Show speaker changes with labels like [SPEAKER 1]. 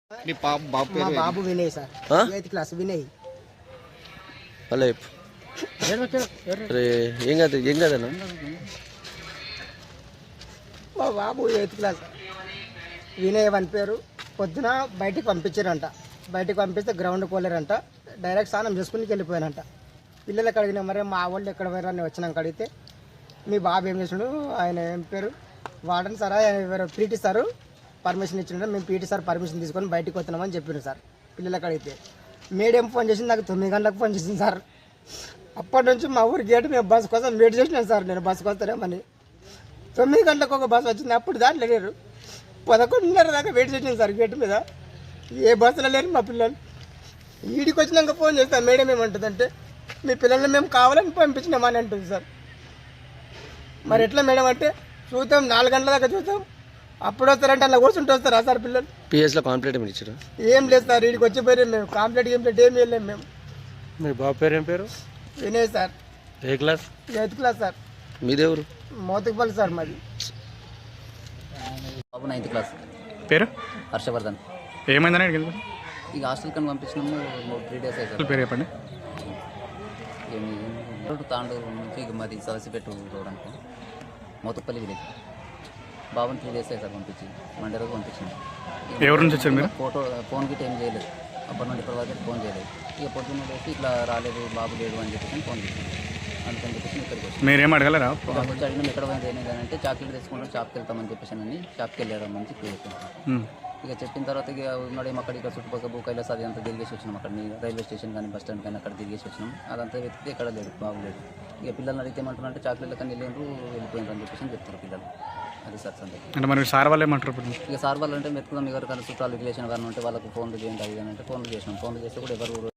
[SPEAKER 1] మా బాబు Vinay sir, 8th class Vinay.
[SPEAKER 2] అలా ఏం కదన్నా?
[SPEAKER 1] మా బాబు 8th క్లాస్ వినయ్ అని పేరు. పొద్దున బయటికి పంపించారంట. బయటికి పంపిస్తే గ్రౌండ్ పోలేరంట. డైరెక్ట్ స్నానం చేసుకుని వెళ్ళిపోయానంట. పిల్లలకి అడిగినా మరి మా వాళ్ళు ఎక్కడ పోయారు అని వచ్చినాక అడిగితే మీ బాబు ఏం చేసినాడు, ఆయన ఏం పేరు వాడని సార్, ఎవరు పీటీ సారు పర్మిషన్ ఇచ్చిండే, మేము పీటీ సార్ పర్మిషన్ తీసుకొని బయటికి వస్తున్నామని చెప్పారు సార్. పిల్లలకి అడిగితే మేడం ఫోన్ చేసింది, నాకు 9 గంటలకు ఫోన్ చేసింది సార్. అప్పటి నుంచి మా ఊరి గేటు మేము బస్సు కోసం వెయిట్ చేసినాను సార్. నేను బస్సుకు వస్తానేమని 9 గంటలకు ఒక బస్సు వచ్చింది. అప్పుడు దాంట్లో లేరు. 11:30 దాకా వెయిట్ చేసాను సార్ గేటు మీద. ఏ బస్సులో లేరు మా పిల్లలు. ఈడికి వచ్చినాక ఫోన్ చేస్తాను. మేడం ఏమంటుందంటే మీ పిల్లల్ని మేము కావాలని పంపించినామని అంటుంది సార్. మరి ఎట్లా మేడం అంటే చూద్దాం, 4 గంటల దాకా చూద్దాం, అప్పుడు వస్తారంటే అలా కూర్చుంటూ వస్తారా సార్ పిల్లలు?
[SPEAKER 2] పిఎస్లో కాంప్లీట్ ఏమి ఇచ్చారు? ఏం
[SPEAKER 1] లేదు సార్, వీడికి వచ్చిపోయి మేము కాంప్లీట్ ఏం వెళ్ళాము మేము.
[SPEAKER 3] మీ బాబు పేరు ఏం పేరు?
[SPEAKER 1] వినయ్ సార్.
[SPEAKER 3] ఏ క్లాస్?
[SPEAKER 1] 8th class sir.
[SPEAKER 2] మీదెవరు?
[SPEAKER 1] మోతుకుపల్లి సార్ మాది.
[SPEAKER 4] బాబు 9th క్లాస్.
[SPEAKER 3] పేరు?
[SPEAKER 4] హర్షవర్ధన్.
[SPEAKER 3] ఏమైందని అడిగింది?
[SPEAKER 4] ఇక హాస్టల్ కని పంపించినాము. 3 days అవుతుంది.
[SPEAKER 3] పేరు చెప్పండి.
[SPEAKER 4] ఏమి తాండూరు నుంచి ఇక మాది సదసిపెట్టు రోడ్ అనుకో, మోతుపల్లి విలేజ్. బాబుని 3 days సార్ పంపించి, మండే రోజు పంపించింది.
[SPEAKER 3] ఎవరి నుంచి వచ్చారు మీరు?
[SPEAKER 4] ఫోన్ గిట్ ఏం చేయలేదు. అప్పటి నుండి ఇప్పటి వరకు ఫోన్ చేయలేదు. ఇక పొద్దున్న లేసి ఇట్లా రాలేదు, బాబు లేడు అని చెప్పేసి ఫోన్ చేసింది. అందుకని చెప్పేసి ఇక్కడికి వచ్చి
[SPEAKER 3] మీరేం అడగలరా?
[SPEAKER 4] వచ్చి అడిగినాం ఎక్కడ పోయింది ఏమైంది అంటే చాక్లెట్ తెచ్చుకుంటాం, షాప్కి వెళ్తామని చెప్పేసి అని షాప్కి వెళ్ళారమ్మని చెప్పి ఇక చెప్పిన తర్వాత ఇక ఉన్నాడేమో అక్కడ ఇక్కడ చుట్టుపక్కల భూకైలాస్ అది అంతా తిరిగేసి వచ్చినాం. అక్కడ రైల్వే స్టేషన్ కానీ బస్ స్టాండ్ కానీ అక్కడ తిరిగేసి వచ్చినాం. అదంతా వెతికితే ఎక్కడ లేదు, బాబు లేదు. ఇక పిల్లల్ని అడిగితే ఏమంటారు అంటే చాక్లెట్లు కానీ వెళ్ళిపోయినారు అని చెప్పేసి చెప్తారు పిల్లలు. అది సార్ సంగతి.
[SPEAKER 3] అంటే మరి సార్ వాళ్ళు ఏమంటారు?
[SPEAKER 4] ఇక సార్ వాళ్ళు అంటే వెతుకుదాం, ఎవరికైనా చుట్టాలు రిలేషన్ కానీ ఉంటే వాళ్ళకు ఫోన్లు చేయండి అది అంటే ఫోన్లు చేసినాం. ఫోన్లు చేస్తే కూడా ఎవరు